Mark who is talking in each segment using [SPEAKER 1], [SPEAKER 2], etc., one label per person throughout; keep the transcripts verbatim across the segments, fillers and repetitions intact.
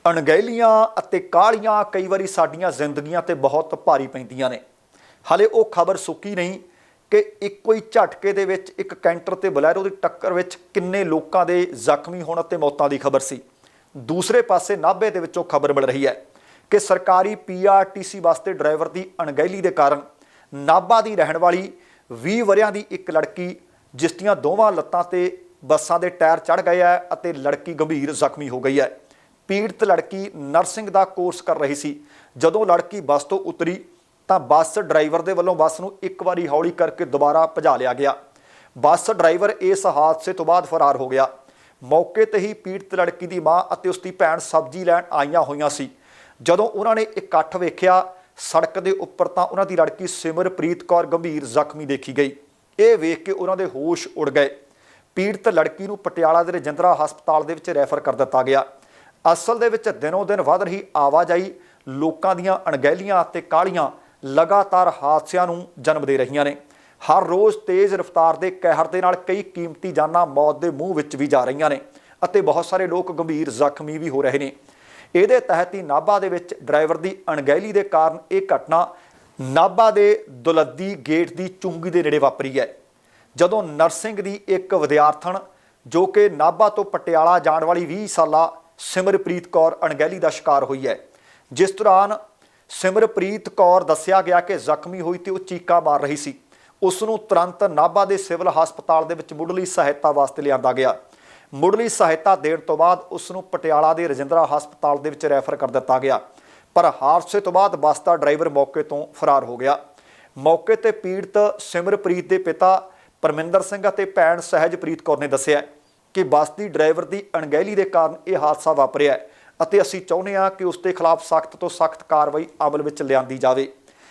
[SPEAKER 1] ਅਣਗਹਿਲੀਆਂ ਅਤੇ ਕਾਹਲੀਆਂ ਕਈ ਵਾਰੀ ਸਾਡੀਆਂ ਜ਼ਿੰਦਗੀਆਂ ਤੇ ਬਹੁਤ ਭਾਰੀ ਪੈਂਦੀਆਂ ਨੇ। ਹਾਲੇ ਉਹ ਖਬਰ ਸੁੱਕੀ ਨਹੀਂ ਕਿ ਇੱਕੋ ਹੀ ਝਟਕੇ ਦੇ ਵਿੱਚ ਇੱਕ ਕੈਂਟਰ ਤੇ ਬਲੈਰੋ ਦੀ ਟੱਕਰ ਵਿੱਚ ਕਿੰਨੇ ਲੋਕਾਂ ਦੇ ਜ਼ਖਮੀ ਹੋਣ ਅਤੇ ਮੌਤਾਂ ਦੀ ਖਬਰ ਸੀ। ਦੂਸਰੇ ਪਾਸੇ ਨਾਭੇ ਦੇ ਵਿੱਚੋਂ ਖਬਰ ਮਿਲ ਰਹੀ ਹੈ ਕਿ ਸਰਕਾਰੀ ਪੀ ਆਰ ਟੀ ਸੀ ਬੱਸ ਦੇ ਡਰਾਈਵਰ ਦੀ ਅਣਗਹਿਲੀ ਦੇ ਕਾਰਨ ਨਾਭਾ ਦੀ ਰਹਿਣ ਵਾਲੀ ਵੀਹ ਵਰਿਆਂ ਦੀ ਇੱਕ ਲੜਕੀ, ਜਿਸ ਦੀਆਂ ਦੋਵਾਂ ਲੱਤਾਂ ਤੇ ਬੱਸਾਂ ਦੇ ਟਾਇਰ ਚੜ੍ਹ ਗਏ ਹੈ ਅਤੇ ਲੜਕੀ ਗੰਭੀਰ ਜ਼ਖਮੀ ਹੋ ਗਈ ਹੈ। ਪੀੜਤ ਲੜਕੀ ਨਰਸਿੰਗ ਦਾ ਕੋਰਸ ਕਰ ਰਹੀ ਸੀ। ਜਦੋਂ ਲੜਕੀ ਬੱਸ ਤੋਂ ਉਤਰੀ ਤਾਂ ਬੱਸ ਡਰਾਈਵਰ ਦੇ ਵੱਲੋਂ ਬੱਸ ਨੂੰ ਇੱਕ ਵਾਰੀ ਹੌਲੀ ਕਰਕੇ ਦੁਬਾਰਾ ਭਜਾ ਲਿਆ ਗਿਆ। ਬੱਸ ਡਰਾਈਵਰ ਇਸ ਹਾਦਸੇ ਤੋਂ ਬਾਅਦ ਫਰਾਰ ਹੋ ਗਿਆ। ਮੌਕੇ ਤੇ ਹੀ ਪੀੜਤ ਲੜਕੀ ਦੀ ਮਾਂ ਅਤੇ ਉਸ ਦੀ ਭੈਣ ਸਬਜ਼ੀ ਲੈਣ ਆਈਆਂ ਹੋਈਆਂ ਸੀ। ਜਦੋਂ ਉਹਨਾਂ ਨੇ ਇਕੱਠ ਵੇਖਿਆ ਸੜਕ ਦੇ ਉੱਪਰ ਤਾਂ ਉਹਨਾਂ ਦੀ ਲੜਕੀ ਸਿਮਰਪ੍ਰੀਤ ਕੌਰ ਗੰਭੀਰ ਜ਼ਖਮੀ ਦੇਖੀ ਗਈ। ਇਹ ਵੇਖ ਕੇ ਉਹਨਾਂ ਦੇ ਹੋਸ਼ ਉੜ ਗਏ। ਪੀੜਤ ਲੜਕੀ ਨੂੰ ਪਟਿਆਲਾ ਦੇ ਰਜਿੰਦਰਾ ਹਸਪਤਾਲ ਦੇ ਵਿੱਚ ਰੈਫਰ ਕਰ ਦਿੱਤਾ ਗਿਆ। ਅਸਲ ਦੇ ਵਿੱਚ ਦਿਨੋਂ ਦਿਨ ਵੱਧ ਰਹੀ ਆਵਾਜਾਈ, ਲੋਕਾਂ ਦੀਆਂ ਅਣਗਹਿਲੀਆਂ ਅਤੇ ਕਾਹਲੀਆਂ ਲਗਾਤਾਰ ਹਾਦਸਿਆਂ ਨੂੰ ਜਨਮ ਦੇ ਰਹੀਆਂ ਨੇ। ਹਰ ਰੋਜ਼ ਤੇਜ਼ ਰਫ਼ਤਾਰ ਦੇ ਕਹਿਰ ਦੇ ਨਾਲ ਕਈ ਕੀਮਤੀ ਜਾਨਾਂ ਮੌਤ ਦੇ ਮੂੰਹ ਵਿੱਚ ਵੀ ਜਾ ਰਹੀਆਂ ਨੇ ਅਤੇ ਬਹੁਤ ਸਾਰੇ ਲੋਕ ਗੰਭੀਰ ਜ਼ਖਮੀ ਵੀ ਹੋ ਰਹੇ ਨੇ। ਇਹਦੇ ਤਹਿਤ ਹੀ ਨਾਭਾ ਦੇ ਵਿੱਚ ਡਰਾਈਵਰ ਦੀ ਅਣਗਹਿਲੀ ਦੇ ਕਾਰਨ ਇਹ ਘਟਨਾ ਨਾਭਾ ਦੇ ਦੁਲੱਦੀ ਗੇਟ ਦੀ ਚੁੰਗੀ ਦੇ ਨੇੜੇ ਵਾਪਰੀ ਹੈ। ਜਦੋਂ ਨਰਸਿੰਗ ਦੀ ਇੱਕ ਵਿਦਿਆਰਥਣ ਜੋ ਕਿ ਨਾਭਾ ਤੋਂ ਪਟਿਆਲਾ ਜਾਣ ਵਾਲੀ ਵੀਹ ਸਾਲਾ ਸਿਮਰਪ੍ਰੀਤ ਕੌਰ ਅਣਗਹਿਲੀ ਦਾ ਸ਼ਿਕਾਰ ਹੋਈ ਹੈ। ਜਿਸ ਦੌਰਾਨ ਸਿਮਰਪ੍ਰੀਤ ਕੌਰ ਦੱਸਿਆ ਗਿਆ ਕਿ ਜ਼ਖਮੀ ਹੋਈ ਤੇ ਉਹ ਚੀਕਾਂ ਮਾਰ ਰਹੀ ਸੀ। ਉਸ ਨੂੰ ਤੁਰੰਤ ਨਾਭਾ ਦੇ ਸਿਵਲ ਹਸਪਤਾਲ ਦੇ ਵਿੱਚ ਮੁੱਢਲੀ ਸਹਾਇਤਾ ਵਾਸਤੇ ਲਿਆਂਦਾ ਗਿਆ। ਮੁੱਢਲੀ ਸਹਾਇਤਾ ਦੇਣ ਤੋਂ ਬਾਅਦ ਉਸ ਨੂੰ ਪਟਿਆਲਾ ਦੇ ਰਜਿੰਦਰਾ ਹਸਪਤਾਲ ਦੇ ਵਿੱਚ ਰੈਫਰ ਕਰ ਦਿੱਤਾ ਗਿਆ। ਪਰ ਹਾਦਸੇ ਤੋਂ ਬਾਅਦ ਬੱਸ ਦਾ ਡਰਾਈਵਰ ਮੌਕੇ ਤੋਂ ਫਰਾਰ ਹੋ ਗਿਆ। ਮੌਕੇ ਤੇ ਪੀੜਤ ਸਿਮਰਪ੍ਰੀਤ ਦੇ ਪਿਤਾ ਪਰਮਿੰਦਰ ਸਿੰਘ ਅਤੇ ਭੈਣ ਸਹਿਜਪ੍ਰੀਤ ਕੌਰ ਨੇ ਦੱਸਿਆ ਕਿ ਬੱਸ ਦੀ ਡਰਾਈਵਰ ਦੀ ਅਣਗਹਿਲੀ ਦੇ ਕਾਰਨ ਇਹ ਹਾਦਸਾ ਵਾਪਰਿਆ ਹੈ ਅਤੇ ਅਸੀਂ ਚਾਹੁੰਦੇ ਹਾਂ ਕਿ ਉਸ ਦੇ ਖਿਲਾਫ ਸਖਤ ਤੋਂ ਸਖਤ ਕਾਰਵਾਈ ਅਮਲ ਵਿੱਚ ਲਿਆਂਦੀ ਜਾਵੇ।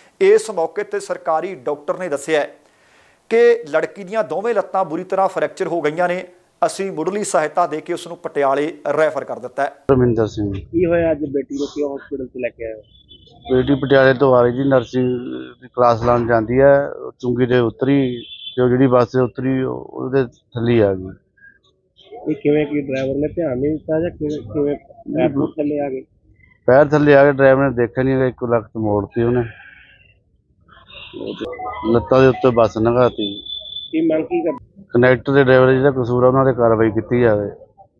[SPEAKER 1] ਇਸ ਮੌਕੇ ਤੇ ਸਰਕਾਰੀ ਡਾਕਟਰ ਨੇ ਦੱਸਿਆ ਕਿ ਲੜਕੀ ਦੀਆਂ ਦੋਵੇਂ ਲੱਤਾਂ ਬੁਰੀ ਤਰ੍ਹਾਂ ਫ੍ਰੈਕਚਰ ਹੋ ਗਈਆਂ ਨੇ। ਅਸੀਂ ਮੁੱਢਲੀ ਸਹਾਇਤਾ ਦੇ ਕੇ ਉਸ ਨੂੰ ਪਟਿਆਲੇ ਰੈਫਰ ਕਰ ਦਿੱਤਾ ਹੈ।
[SPEAKER 2] ਪਰਮਿੰਦਰ ਸਿੰਘ।
[SPEAKER 3] ਕੀ ਹੋਇਆ ਅੱਜ ਬੇਟੀ ਨੂੰ ਕਿਉਂ ਹਸਪੀਟਲ 'ਚ ਲੈ ਕੇ ਆਏ ਹੋ?
[SPEAKER 2] ਬੇਟੀ ਪਟਿਆਲੇ ਤੋਂ ਆ ਰਹੀ ਜੀ, ਨਰਸਿੰਗ ਦੀ ਕਲਾਸ ਲਾਉਣ ਜਾਂਦੀ ਹੈ। ਚੁੰਗੀ ਦੇ ਉਤਰੀ ਤੇ ਉਹ ਜਿਹੜੀ ਬੱਸ ਤੇ ਉਤਰੀ ਉਹਦੇ ਥੱਲੇ ਆ ਗਈ।
[SPEAKER 3] ਇਹ ਕਿਵੇਂ ਕੀ ਡਰਾਈਵਰ ਨੇ ਧਿਆਨ ਨਹੀਂ ਦਿੱਤਾ ਜਾਂ ਕਿਵੇਂ ਕਿਵੇਂ ਪੈਰ ਨੂੰ ਥੱਲੇ ਆ ਗਏ?
[SPEAKER 2] ਪੈਰ ਥੱਲੇ ਆ ਕੇ ਡਰਾਈਵਰ ਨੇ ਦੇਖਿਆ ਨਹੀਂ, ਇੱਕ ਲੱਤ ਮੋੜਤੀ ਉਹਨੇ, ਲੱਤਾਂ ਦੇ ਉੱਤੇ ਬੱਸ ਲੰਘਾਤੀ।
[SPEAKER 3] ਕੀ ਮੰਗ ਕੀ ਕਰ?
[SPEAKER 2] ਕਨੈਕਟਰ ਦੇ ਡਰਾਈਵਰ ਜਿਹੜਾ ਕਸੂਰ ਆ ਉਹਨਾਂ ਤੇ ਕਾਰਵਾਈ ਕੀਤੀ ਜਾਵੇ।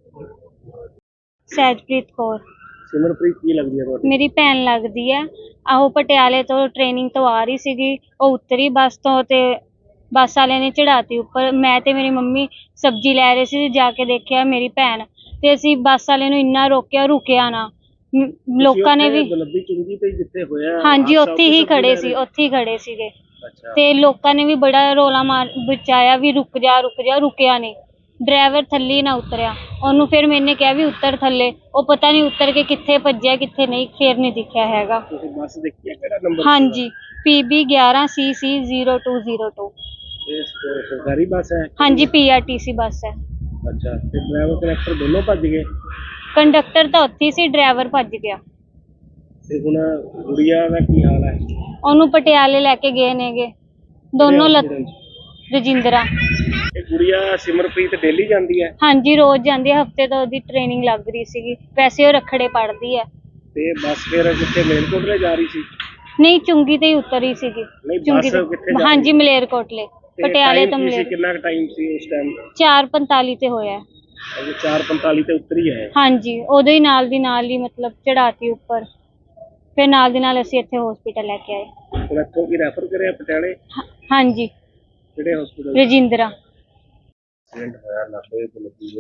[SPEAKER 4] ਸਹਿਜਪ੍ਰੀਤ ਕੌਰ।
[SPEAKER 3] ਸਿਮਰਪ੍ਰੀਤ ਕੀ ਲੱਗਦੀ ਹੈ ਤੁਹਾਡੀ?
[SPEAKER 4] ਮੇਰੀ ਭੈਣ ਲੱਗਦੀ ਹੈ। ਆਹੋ ਪਟਿਆਲੇ ਤੋਂ ਟ੍ਰੇਨਿੰਗ ਤੋਂ ਆ ਰਹੀ ਸੀਗੀ। ਉਹ ਉਤਰੀ ਬੱਸ ਤੋਂ ਤੇ ਬੱਸ ਵਾਲਿਆਂ ਨੇ ਚੜਾਤੀ ਉੱਪਰ। ਮੈਂ ਤੇ ਮੇਰੀ ਮੰਮੀ ਸਬਜ਼ੀ ਲੈ ਰਹੇ ਸੀ, ਜਾ ਕੇ ਦੇਖਿਆ ਮੇਰੀ ਭੈਣ ਤੇ ਅਸੀਂ ਬੱਸ ਵਾਲੇ ਨੂੰ ਇੰਨਾ ਰੋਕਿਆ, ਰੁਕਿਆ ਨਾ। ਲੋਕਾਂ ਨੇ ਵੀ
[SPEAKER 3] ਦੁਲੱਦੀ ਚੁੰਗੀ ਤੇ ਜਿੱਥੇ ਹੋਇਆ,
[SPEAKER 4] ਹਾਂਜੀ ਉੱਥੇ ਹੀ ਖੜੇ ਸੀ, ਉੱਥੇ ਹੀ ਖੜੇ ਸੀਗੇ ਤੇ ਲੋਕਾਂ ਨੇ ਵੀ ਬੜਾ ਰੋਲਾ ਮਾਰ ਬਚਾਇਆ ਵੀ ਰੁਕ ਜਾ ਰੁਕ ਜਾ, ਰੁਕਿਆ ਨਹੀਂ। ਡਰਾਈਵਰ ਥੱਲੇ ਨਾ ਉਤਰਿਆ। ਉਹਨੂੰ ਫਿਰ ਮੈਨੇ ਕਿਹਾ ਵੀ ਉੱਤਰ ਥੱਲੇ, ਉਹ ਪਤਾ ਨਹੀਂ ਉਤਰ ਕੇ ਕਿੱਥੇ ਭੱਜਿਆ ਕਿੱਥੇ ਨਹੀਂ, ਫਿਰ ਨਹੀਂ ਦਿਖਿਆ ਹੈਗਾ।
[SPEAKER 3] ਤੁਸੀਂ ਬੱਸ ਦੇਖੀ ਹੈ? ਕਿਹੜਾ ਨੰਬਰ?
[SPEAKER 4] ਹਾਂਜੀ ਪੀ ਬੀ ਗਿਆਰਾਂ C C zero two zero two.
[SPEAKER 3] ਇਹ ਸਰਕਾਰੀ ਬੱਸ ਹੈ?
[SPEAKER 4] ਹਾਂਜੀ ਪੀ ਆਰ ਟੀ ਸੀ ਬੱਸ ਹੈ।
[SPEAKER 3] ਅੱਛਾ, ਤੇ ਡਰਾਈਵਰ ਕਨੈਕਟਰ ਦੋਨੋਂ ਭੱਜ ਗਏ?
[SPEAKER 4] ਕੰਡਕਟਰ ਤਾਂ ਉੱਥੇ ਸੀ, ਡਰਾਈਵਰ ਭੱਜ ਗਿਆ।
[SPEAKER 3] ਤੇ ਹੁਣ ਗੁੜੀਆ ਦਾ ਕੀ ਹਾਲ ਹੈ?
[SPEAKER 4] ਉਹਨੂੰ ਪਟਿਆਲੇ ਲੈ ਕੇ ਗਏ ਨੇਗੇ ਦੋਨੋਂ ਲੱਤ। ਰਜਿੰਦਰਾ।
[SPEAKER 3] ਇਹ ਗੁੜੀਆ ਸਿਮਰਪ੍ਰੀਤ ਡੇਲੀ ਜਾਂਦੀ ਹੈ?
[SPEAKER 4] ਹਾਂਜੀ ਰੋਜ਼ ਜਾਂਦੀ ਹੈ। ਹਫਤੇ ਤੋਂ ਉਹਦੀ ਟ੍ਰੇਨਿੰਗ ਲੱਗ ਰਹੀ ਸੀਗੀ। ਵੈਸੇ ਉਹ ਰੱਖੜੇ ਪੜ੍ਹਦੀ ਹੈ।
[SPEAKER 3] ਤੇ ਬੱਸ ਫਿਰ ਕਿੱਥੇ ਮਲੇਰਕੋਟਲੇ ਜਾ ਰਹੀ ਸੀ?
[SPEAKER 4] ਨਹੀਂ ਚੁੰਗੀ ਤੇ ਹੀ ਉਤਰੀ ਸੀਗੀ। ਚੁੰਗੀ ਤੇ ਹਾਂਜੀ ਮਲੇਰਕੋਟਲੇ ਪਟਿਆਲੇ ਤੋਂ ਮਲੇਰ।
[SPEAKER 3] ਕਿੰਨਾ ਟਾਈਮ ਸੀ ਉਸ ਟਾਈਮ?
[SPEAKER 4] ਚਾਰ ਪੰਤਾਲੀ ਤੇ ਹੋਇਆ।
[SPEAKER 3] ਅਜੇ ਚਾਰ ਪੰਤਾਲੀ ਤੇ ਉਤਰੀ ਹੈ?
[SPEAKER 4] ਹਾਂਜੀ ਉਦੋਂ ਹੀ ਨਾਲ ਦੀ ਨਾਲ ਹੀ ਮਤਲਬ ਚੜਾਤੀ ਉੱਪਰ। ਫਿਰ ਨਾਲ ਦੀ ਨਾਲ ਅਸੀਂ ਇੱਥੇ ਹਸਪੀਟਲ ਲੈ ਕੇ ਆਏ।
[SPEAKER 3] ਹੁਣ ਇੱਥੋਂ ਕੀ ਰੈਫਰ ਕਰਿਆ ਪਟਿਆਲੇ?
[SPEAKER 4] ਹਾਂਜੀ
[SPEAKER 3] ਕਿਹੜੇ ਹਸਪੀਟਲ?
[SPEAKER 4] ਰਜਿੰਦਰਾ।
[SPEAKER 3] ਐਕਸੀਡੈਂਟ ਹੋਇਆ ਨਾਭੇ ਤੋਂ ਲੱਗੀ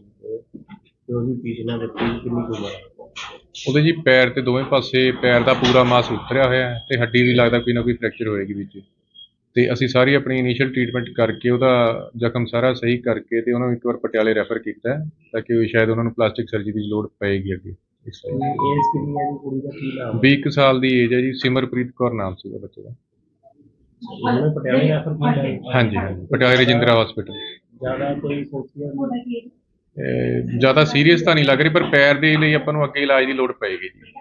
[SPEAKER 3] ਤੇ ਉਹਦੀ ਪੀਛਣਾ ਦੇ ਪੀਛ ਕਿੰਨੀ ਕੁ ਉਮਰ?
[SPEAKER 5] ਉਹਦੇ ਜੀ ਪੈਰ ਤੇ ਦੋਵੇਂ ਪਾਸੇ ਪੈਰ ਦਾ ਪੂਰਾ ਮਾਸ ਉਤਰਿਆ ਹੋਇਆ ਹੈ ਤੇ ਹੱਡੀ ਵੀ ਲੱਗਦਾ ਕੋਈ ਨਾ ਕੋਈ ਫ੍ਰੈਕਚਰ ਹੋਏਗੀ ਵਿੱਚ। ਤੇ ਅਸੀਂ ਸਾਰੀ ਆਪਣੀ ਇਨੀਸ਼ੀਅਲ ਟ੍ਰੀਟਮੈਂਟ ਕਰਕੇ ਉਹਦਾ ਜ਼ਖਮ ਸਾਰਾ ਸਹੀ ਕਰਕੇ ਤੇ ਉਹਨਾਂ ਨੂੰ ਇੱਕ ਵਾਰ ਪਟਿਆਲੇ ਰੈਫਰ ਕੀਤਾ ਹੈ ਤਾਂ ਕਿ ਸ਼ਾਇਦ ਉਹਨਾਂ ਨੂੰ ਪਲਾਸਟਿਕ ਸਰਜਰੀ ਦੀ ਲੋੜ ਪਏਗੀ ਅੱਗੇ। ਇਸ
[SPEAKER 3] ਏਜ ਕਿੰਨੀ ਹੈ ਜੀ ਕੁੜੀ ਦਾ? ਕੀ ਨਾਮ?
[SPEAKER 5] ਵੀਹ ਕੁ ਸਾਲ ਦੀ ਏਜ ਹੈ ਜੀ। ਸਿਮਰਪ੍ਰੀਤ ਕੌਰ ਨਾਮ ਸੀਗਾ ਬੱਚੇ ਦਾ।
[SPEAKER 3] ਉਹਨੇ ਪਟਿਆਲੇ ਰੈਫਰ ਕੀਤਾ?
[SPEAKER 5] ਹਾਂਜੀ ਹਾਂਜੀ ਪਟਿਆਲੇ ਰਜਿੰਦਰਾ ਹਸਪੀਟਲ।
[SPEAKER 3] ਜ਼ਿਆਦਾ ਕੋਈ ਸੋਚਿਆ?
[SPEAKER 5] ਜ਼ਿਆਦਾ ਸੀਰੀਅਸ ਤਾਂ ਨਹੀਂ ਲੱਗ ਰਹੀ ਪਰ ਪੈਰ ਦੇ ਲਈ ਆਪਾਂ ਨੂੰ ਅੱਗੇ ਇਲਾਜ ਦੀ ਲੋੜ ਪਏਗੀ ਜੀ।